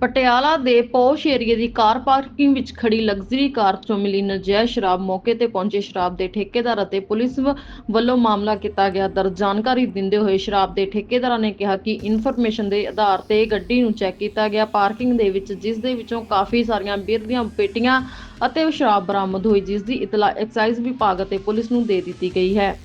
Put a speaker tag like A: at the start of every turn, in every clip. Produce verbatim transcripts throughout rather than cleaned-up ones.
A: ਪਟਿਆਲਾ ਦੇ ਪੌਸ਼ ਏਰੀਏ ਦੀ car parking ਵਿੱਚ ਖੜੀ ਲਗਜ਼ਰੀ ਕਾਰ ਚੋਂ ਮਿਲੀ ਨਜਾਇਜ਼ ਸ਼ਰਾਬ। ਮੌਕੇ ਤੇ ਪਹੁੰਚੇ ਸ਼ਰਾਬ ਦੇ ਠੇਕੇਦਾਰ ਅਤੇ ਪੁਲਿਸ ਵੱਲੋਂ ਮਾਮਲਾ ਕੀਤਾ ਗਿਆ ਦਰਜ। ਜਾਣਕਾਰੀ ਦਿੰਦੇ ਹੋਏ ਸ਼ਰਾਬ ਦੇ ਠੇਕੇਦਾਰਾਂ ਨੇ ਕਿਹਾ ਕਿ ਇਨਫੋਰਮੇਸ਼ਨ ਦੇ ਆਧਾਰ ਤੇ ਗੱਡੀ ਨੂੰ ਚੈੱਕ ਕੀਤਾ ਗਿਆ ਪਾਰਕਿੰਗ ਦੇ ਵਿੱਚ, ਜਿਸ ਦੇ ਵਿੱਚੋਂ ਕਾਫੀ ਸਾਰੀਆਂ ਬੀਅਰ ਦੀਆਂ ਪੇਟੀਆਂ ਅਤੇ ਸ਼ਰਾਬ ਬਰਾਮਦ ਹੋਈ, ਜਿਸ ਦੀ ਇਤਲਾ ਐਕਸਾਈਜ਼ ਵਿਭਾਗ ਅਤੇ ਪੁਲਿਸ ਨੂੰ ਦੇ ਦਿੱਤੀ ਗਈ ਹੈ।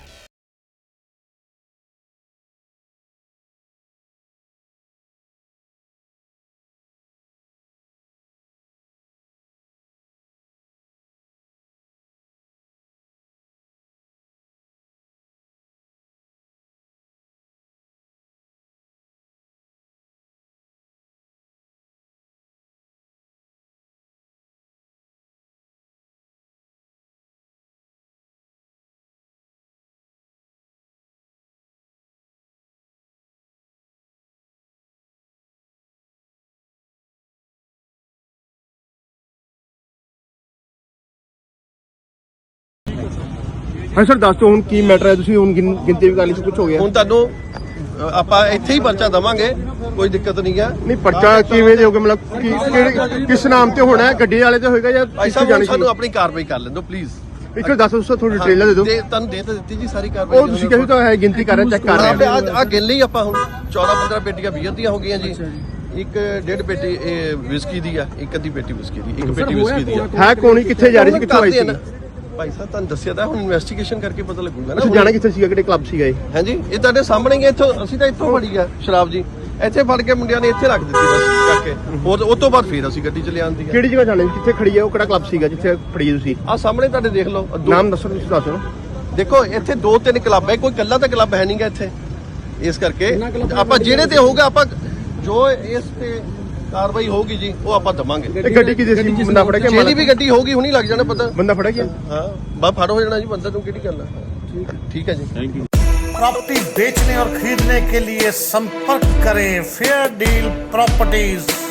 B: ਹਾਂ ਸਰ, ਦੱਸ ਦਿਓ ਹੁਣ ਕੀ ਮੈਟਰ ਹੈ। ਤੁਸੀਂ ਹੁਣ ਗਿਣ- ਗਿਣਤੀ ਵੀ ਕਰ ਲਈ, ਕੁਝ ਹੋ ਗਿਆ?
C: ਹੁਣ ਤੁਹਾਨੂੰ ਆਪਾਂ ਇੱਥੇ ਹੀ ਪਰਚਾ ਦਵਾਂਗੇ, ਕੋਈ ਦਿੱਕਤ ਨਹੀਂ ਹੈ।
B: ਨਹੀਂ, ਪਰਚਾ ਕਿਵੇਂ ਦੇਓਗੇ? ਮਤਲਬ ਕੀ ਕਿਹੜੇ ਕਿਸ ਨਾਮ ਤੇ ਹੋਣਾ ਹੈ? ਗੱਡੀ ਵਾਲੇ ਤੇ ਹੋਏਗਾ ਜਾਂ
C: ਭਾਈ
B: ਕਿੱਥੇ
C: ਸਾਹਿਬ
B: ਜਾਣੀ
C: ਸਾਨੂੰ
B: ਸੀ?
C: ਆਪਣੀ ਕਾਰਵਾਈ ਕਰ ਲੈਣ ਦਿਓ ਪਲੀਜ਼।
B: ਇੱਕ ਵਾਰ ਦੱਸ ਦਿਓ, ਥੋੜੀ ਡਿਟੇਲ ਦੇ ਦਿਓ।
C: ਤੇ ਤੁਹਾਨੂੰ ਦੇ ਤਾਂ ਦਿੱਤੀ ਜੀ ਸਾਰੀ ਕਾਰਵਾਈ।
B: ਉਹ ਤੁਸੀਂ ਕਹੀ ਤਾਂ ਹੈ ਗਿਣਤੀ ਕਰ ਰਹੇ, ਚੈੱਕ ਕਰ ਰਹੇ
C: ਆ ਆ ਗਿਣ ਲਈ ਆਪਾਂ। ਹੁਣ ਚੌਦਾਂ ਪੰਦਰਾਂ ਪੇਟੀਆਂ ਬੀਅਰ ਦੀਆਂ ਹੋ ਗਈਆਂ ਜੀ, ਇੱਕ ਡੇਢ ਪੇਟੀ ਇਹ ਵਿਸਕੀ ਦੀ ਆ, ਇੱਕ ਅੱਧੀ ਪੇਟੀ ਵਿਸਕੀ ਦੀ, ਇੱਕ ਪੇਟੀ ਵਿਸਕੀ ਦੀ ਆ।
B: ਹੈ ਕੋਣੀ ਕਿੱਥੇ ਜਾ ਰਹੀ ਸੀ, ਕਿੱਥੋਂ ਆਈ ਸੀ?
C: ਭਾਈ ਸਾਹਿਬ ਤੁਹਾਨੂੰ ਦੱਸਿਆ ਤਾਂ, ਹੁਣ ਇਨਵੈਸਟੀਗੇਸ਼ਨ ਕਰਕੇ ਪਤਾ ਲੱਗੂਗਾ ਨਾ।
B: ਤੁਸੀਂ ਜਾਣਾ ਕਿੱਥੇ ਸੀਗਾ, ਕਿਹੜੇ ਕਲੱਬ ਸੀਗਾ ਇਹ?
C: ਹਾਂਜੀ, ਇਹ ਤੁਹਾਡੇ ਸਾਹਮਣੇ ਹੀ ਹੈ। ਇੱਥੋਂ ਅਸੀਂ ਤਾਂ ਇੱਥੋਂ ਫੜੀ ਆ ਸ਼ਰਾਬ ਜੀ, ਇੱਥੇ ਫੜ ਕੇ ਮੁੰਡਿਆਂ ਨੇ ਇੱਥੇ ਰੱਖ ਦਿੱਤੀ ਬਸ ਕਰਕੇ। ਉਹ ਉਹ ਤੋਂ ਬਾਅਦ ਫੇਰ ਅਸੀਂ ਗੱਡੀ ਚ ਲਿਆਂਦੀ ਆ।
B: ਕਿਹੜੀ ਜਗ੍ਹਾ ਜਾਣੀ, ਕਿੱਥੇ ਖੜੀ ਹੈ ਉਹ? ਕਿਹੜਾ ਕਲੱਬ ਸੀਗਾ ਜਿੱਥੇ ਫੜੀ ਤੁਸੀਂ?
C: ਆ ਸਾਹਮਣੇ ਤੁਹਾਡੇ ਦੇਖ ਲਓ। ਦੋ-
B: ਨਾਮ ਦੱਸੋ, ਤੁਸੀਂ ਦੱਸ ਦਿਓ।
C: ਦੇਖੋ ਇੱਥੇ ਦੋ ਤਿੰਨ ਕਲੱਬ ਹੈ, ਕੋਈ ਇਕੱਲਾ ਤਾਂ ਕਲੱਬ ਹੈ ਨਹੀਂਗਾ ਇੱਥੇ। ਇਸ ਕਰਕੇ ਆਪਾਂ ਜਿਹੜੇ ਤੇ ਹੋਊਗਾ, ਆਪਾਂ ਜੋ ਇਸ ਤੇ ਕਾਰਵਾਈ ਹੋਊਗੀ ਜੀ ਉਹ ਆਪਾਂ ਦਵਾਂਗੇ।
B: ਇਹ ਗੱਡੀ ਕਿਹਦੀ ਸੀ? ਬੰਦਾ ਫੜਿਆ ਗਿਆ?
C: ਜਿਹੜੀ ਵੀ ਗੱਡੀ ਹੋਊਗੀ ਹੁਣੀ ਲੱਗ ਜਾਣਾ ਪਤਾ।
B: ਬੰਦਾ ਫੜਿਆ ਗਿਆ?
C: ਹਾਂ ਬਸ ਫੜ ਹੋ ਜਾਣਾ ਜੀ ਬੰਦਾ। ਤੂੰ ਕਿਹੜੀ ਗੱਲ ਹੈ? ਠੀਕ ਹੈ ਜੀ।
D: प्रॉपर्टी बेचने और खरीदने के लिए संपर्क करें फेयर डील प्रॉपर्टीज।